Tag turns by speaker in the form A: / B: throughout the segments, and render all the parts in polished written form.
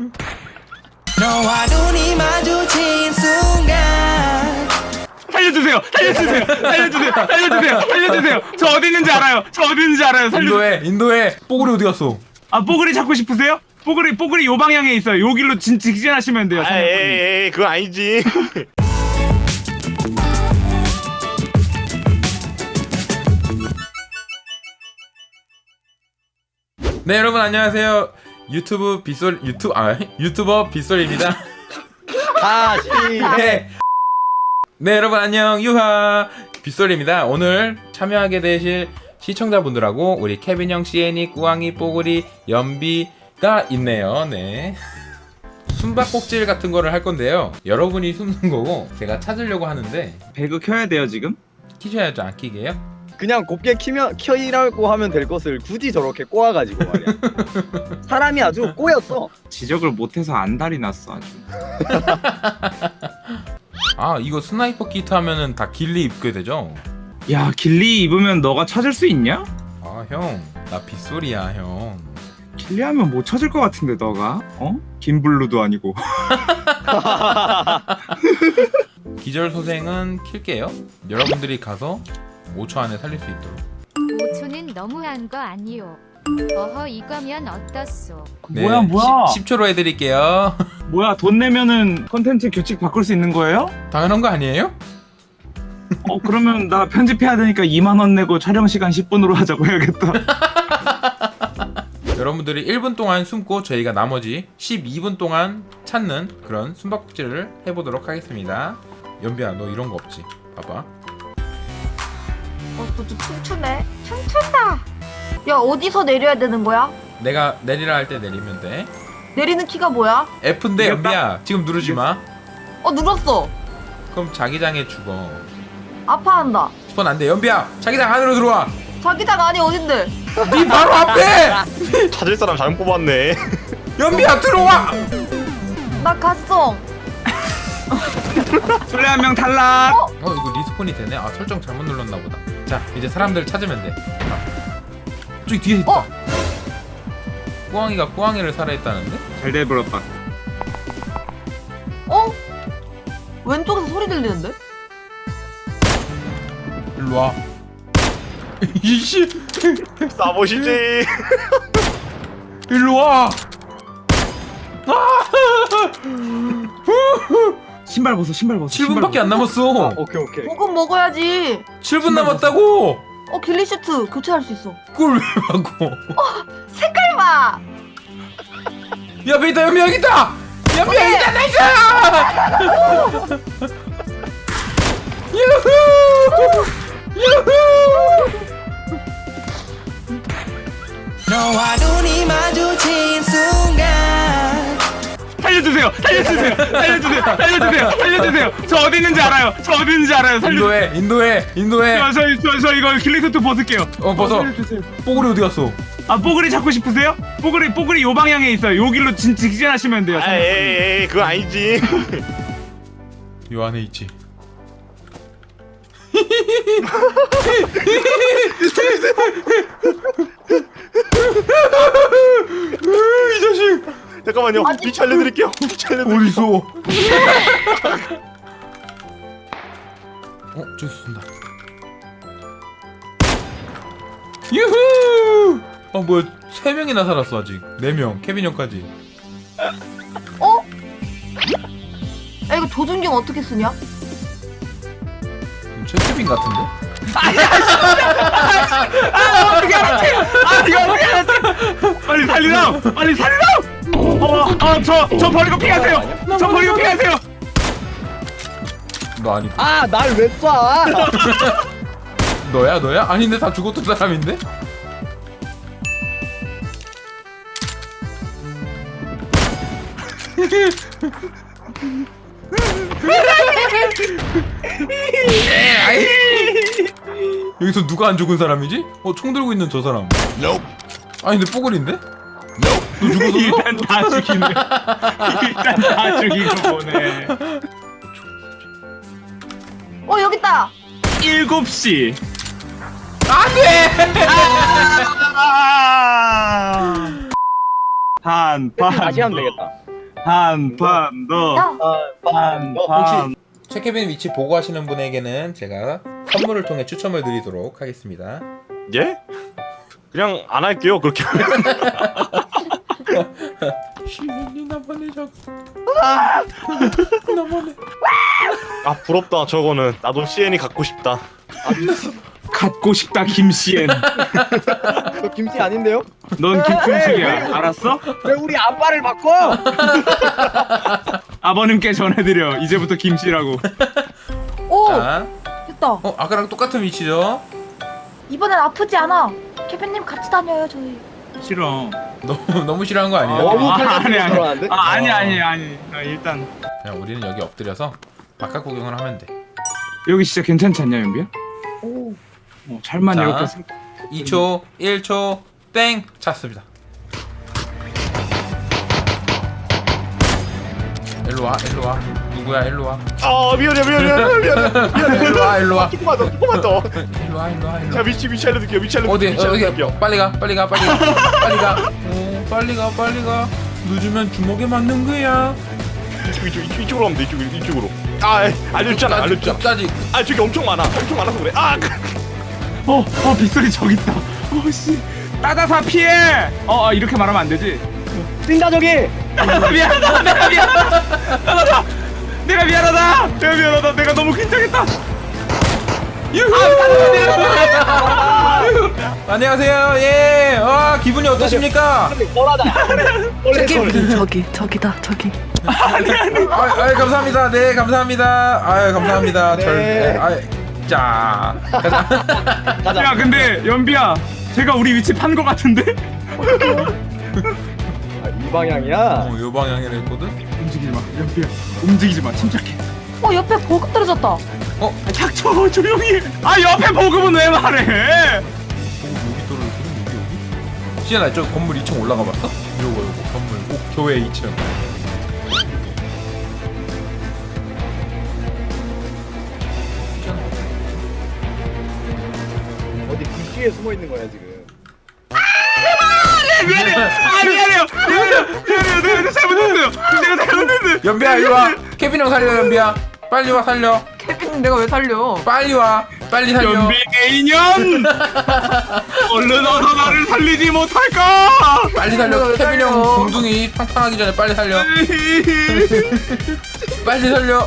A: 너와 눈이 마주친 순간
B: 살려주세요! 살려주세요! 살려주세요! 살려주세요! 살려주세요! 저 어디 있는지 알아요! 저 어디 있는지 알아요!
C: 인도에 뽀글이 어디 갔어?
B: 아, 뽀글이 찾고 싶으세요? 뽀글이 요 방향에 있어요. 요 길로 직진하시면 돼요.
D: 아, 에이, 그건 아니지.
C: 네, 여러분 안녕하세요. 유튜버 빗솔입니다.
D: 다시 해.
C: 네, 여러분 안녕. 유하 빗솔입니다. 오늘 참여하게 되실 시청자분들하고 우리 케빈 형, 시애니, 꾸왕이, 뽀글이, 연비가 있네요. 네. 숨바꼭질 같은 거를 할 건데요. 여러분이 숨는 거고 제가 찾으려고 하는데
B: 배그 켜야 돼요, 지금?
C: 키셔야죠. 안 키게요?
D: 그냥 곱게 켜이라고 하면 될 것을 굳이 저렇게 꼬아가지고 말이야. 사람이 아주 꼬였어.
B: 지적을 못해서 안달이 났어, 아주.
C: 아, 이거 스나이퍼 키트 하면은 다 길리 입게 되죠?
B: 야, 길리 입으면 너가 찾을 수 있냐?
C: 아, 형. 나 빗솔이야, 형.
B: 길리 하면 못 찾을 것 같은데, 너가? 어? 김블루도 아니고.
C: 기절소생은 킬게요. 여러분들이 가서 5초 안에 살릴 수 있도록.
E: 5초는 너무한 거 아니요. 어허, 이거면 어떻소?
C: 네,
B: 뭐야?
C: 10초로 해드릴게요.
B: 뭐야, 돈 내면은 컨텐츠 규칙 바꿀 수 있는 거예요?
C: 당연한 거 아니에요?
B: 그러면 나 편집해야 되니까 2만 원 내고 촬영 시간 10분으로 하자고 해야겠다.
C: 여러분들이 1분 동안 숨고 저희가 나머지 12분 동안 찾는 그런 숨바꼭질을 해보도록 하겠습니다. 연비야, 너 이런 거 없지? 봐봐.
F: 또 춤추네. 춤춘다. 야, 어디서 내려야 되는 거야?
C: 내가 내리라 할 때 내리면 돼.
F: 내리는 키가 뭐야?
C: F인데 연비야, 지금 누르지 마.
F: 눌렀어.
C: 그럼 자기장에 죽어.
F: 아파한다.
C: 스폰 안 돼. 연비야, 자기장 안으로 들어와.
F: 자기장 안이 어딘데?
C: 네 바로 앞에.
D: 찾을 사람 잘못 뽑았네.
C: 연비야, 들어와.
F: 나 갔어.
B: 술래 한 명 탈락.
C: 이거 리스폰이 되네. 아, 설정 잘못 눌렀나 보다. 자, 이제 사람들 찾으면 돼. 저기 뒤에 있다. 꾸왕이가 꾸왕이를 살해했다는데?
B: 잘 돼버렸다.
F: 왼쪽에서 소리 들리는데?
C: 일로 와. 이씨,
D: 싸보시지.
C: 일로 와.
B: 신발 벗어.
C: 7분밖에 안 남았어.
D: 오케이.
F: 보금 먹어야지.
C: 7분 남았다고.
F: 길리 슈트 교체할 수 있어.
C: 그걸 왜 하고?
F: 색깔 봐.
C: 야, 베이다, 연비 여기 있다. 연비 여기 있다. 나이스. 유후. 유후.
A: 너와 눈이 마주친 순간
B: 살려주세요. 저 어디 있는지 알아요.
C: 인도에.
B: 저 이거 길리 수트 벗을게요.
C: 벗어.
B: 살려주세요.
C: 뽀글이 어디 갔어?
B: 아, 뽀글이 찾고 싶으세요? 뽀글이 요 방향에 있어요. 요 길로 직진하시면 돼요.
D: 아, 에이, 그건 아니지.
C: 요 안에 있지. 이 자식.
D: 잠깐만요. 위치 알려드릴게요.
C: 어디서? 저기 쏜다. 유후. 뭐야? 3명이나 살았어 아직. 4명. 케빈 형까지.
F: 야, 이거 조준경 어떻게 쓰냐?
C: 최케빈 같은데?
B: 어떻게 알았지? 이거 어떻게 알았지? 빨리 살리라. 저 버리고 피하세요.
C: 너 아니?
D: 날 왜 쏴?
C: 너야? 아닌데 다 죽었던 사람인데? 아이. 여기서 누가 안 죽은 사람이지? 총 들고 있는 저 사람. 아니 근데 뽀글인데? 너 죽었어?
B: 일단 다 죽이고 보내.
F: 여기 있다.
B: 7시.
C: 안돼!
B: 반.
D: 다시 하면 되겠다.
B: 한 판 더.
F: 야,
D: 혹시
C: 최케빈 위치 보고 하시는 분에게는 제가 선물을 통해 추첨을 드리도록 하겠습니다.
G: 예? 그냥 안 할게요 그렇게.
C: 시민이 나만의 적.
G: 아 부럽다 저거는. 나도 CN이 갖고 싶다.
B: 갖고 싶다 김씨엔.
D: 저 김씨 아닌데요?
B: 넌 김충식이야. 알았어?
D: 왜 우리 아빠를 바꿔?
B: 아버님께 전해드려. 이제부터 김씨라고.
F: 오,
C: 자,
F: 됐다.
C: 아까랑 똑같은 위치죠?
F: 이번엔 아프지 않아. 케빈님 같이 다녀요 저희.
B: 싫어.
C: 너무 싫어한 거 아니에요?
D: 너무
B: 아니
D: 칼같이
B: 아니.
D: 들어가는데?
B: 아니. 일단
C: 그냥 우리는 여기 엎드려서 바깥 구경을 하면 돼.
B: 여기 진짜 괜찮지 않냐 연비야?
F: 오,
B: 잘만
C: 자.
B: 이렇게
C: 2초, 1초, 땡! 찼습니다. 일로와. 누구야, 일로와.
G: 아 미안해.
C: 일로와.
G: 조금만 더.
C: 일로와.
G: 자 위치 알려드릴게요. 위치
C: 어디,
G: 알려드릴게요.
C: 빨리 가. 빨리 가. 늦으면 주먹에 맞는 거야.
G: 이쪽으로 하면 돼. 이쪽으로. 아 알려줬잖아.
C: 끝까지.
G: 아 저기 엄청 많아서 그래. 아
B: 빗소리 저기 있다. 씨. 따다사 피해. 이렇게 말하면 안 되지.
D: 뛴다 저기!
B: 따다사 미안하다. 내가 미안하다. 따다사. 내가 미안하다. 내가 너무 긴장했다.
C: 안녕하세요. 예. 기분이 어떠십니까?
D: 덜하다.
H: 저기다 저기.
C: 감사합니다. 네, 감사합니다. 감사합니다.
D: 네.
C: 자, 가자.
B: 야 근데 연비야. 제가 우리 위치 판 거 같은데?
D: 이 방향이야?
C: 요 방향이라 했거든?
B: 움직이지 마. 연비야. 움직이지 마. 침착해.
F: 옆에 보급 떨어졌다.
B: 닥쳐 조용히. 옆에 보급은 왜 말해?
C: 여기 떨어졌거든, 여기. 시연아, 저 건물 2층 올라가 봤어? 요거, 건물. 교회 2층.
D: 어디 불씨에 숨어 있는 거야 지금.
B: 미안해요. 내가 잘못했어요.
C: 연비야, 일로 와. 케빈 형 살려, 연비야. 빨리 와, 살려.
H: 케빈 내가 왜 살려?
C: 빨리 와. 빨리 살려.
B: 연비 개인년. 얼른 어서 나를 살리지 못할까?
C: 빨리 살려. 케빈 형 공둥이 팡팡하기 전에 빨리 살려. 빨리 살려.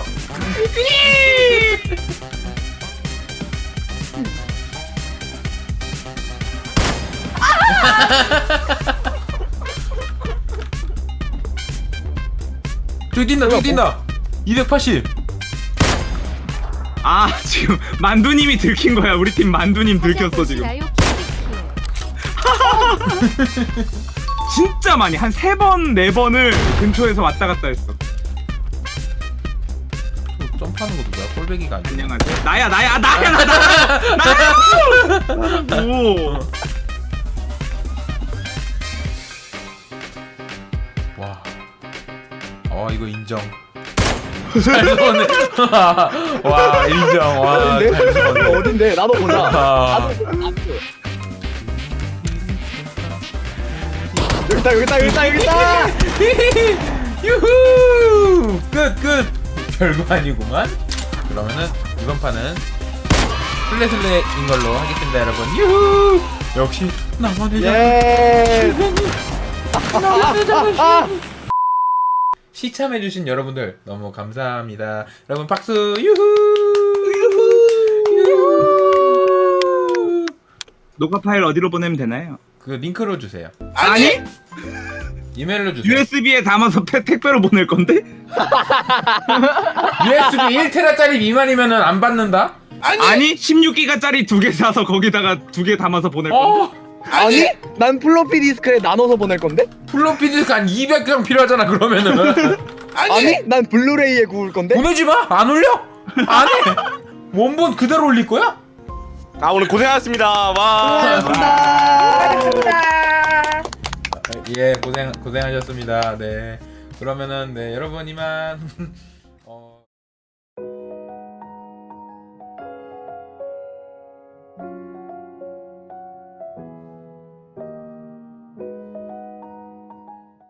C: 저기 뛴다. 280.
B: 지금 만두님이 들킨 거야. 우리 팀 만두님 들켰어 지금.
E: 나요
B: 진짜 많이 한 3번 4번을 근처에서 왔다 갔다 했어.
C: 점프하는 것도 뭐야? 꼴배기가 아니야.
B: 안녕하세요. 나야. 오.
C: 와. 이거 인정. 잘 쏘네. 와, 인정. 와,
D: 어딘데?
C: 잘 쏘네.
D: 어딘데? 나도 보자.
C: 아.
D: 여기 있다.
C: 유후! 끝. 별거 아니구만. 그러면은 이번 판은 슬래슬래인 걸로 하겠습니다, 여러분. 유후! 역시 나만의
D: 예.
C: 시참해주신 여러분들 너무 감사합니다. 여러분 박수. 유후!
B: 녹화 파일 어디로 보내면 되나요?
C: 그 링크로 주세요.
B: 아니?
C: 이메일로 주세요.
B: USB에 담아서 택배로 보낼 건데?
C: USB 1테라짜리 미만이면은 안 받는다?
B: 아니 16기가짜리 2개 사서 거기다가 2개 담아서 보낼 건데?
D: 아니? 난 플로피 디스크에 나눠서 보낼 건데?
C: 플로피 디스크 한 200장 필요하잖아 그러면은.
D: 아니? 난 블루레이에 구울 건데?
C: 보내지 마. 안 올려? 안 해. 원본 그대로 올릴 거야?
G: 오늘 고생하셨습니다. 와.
C: 예, 고생하셨습니다. 네. 그러면은 네, 여러분 이만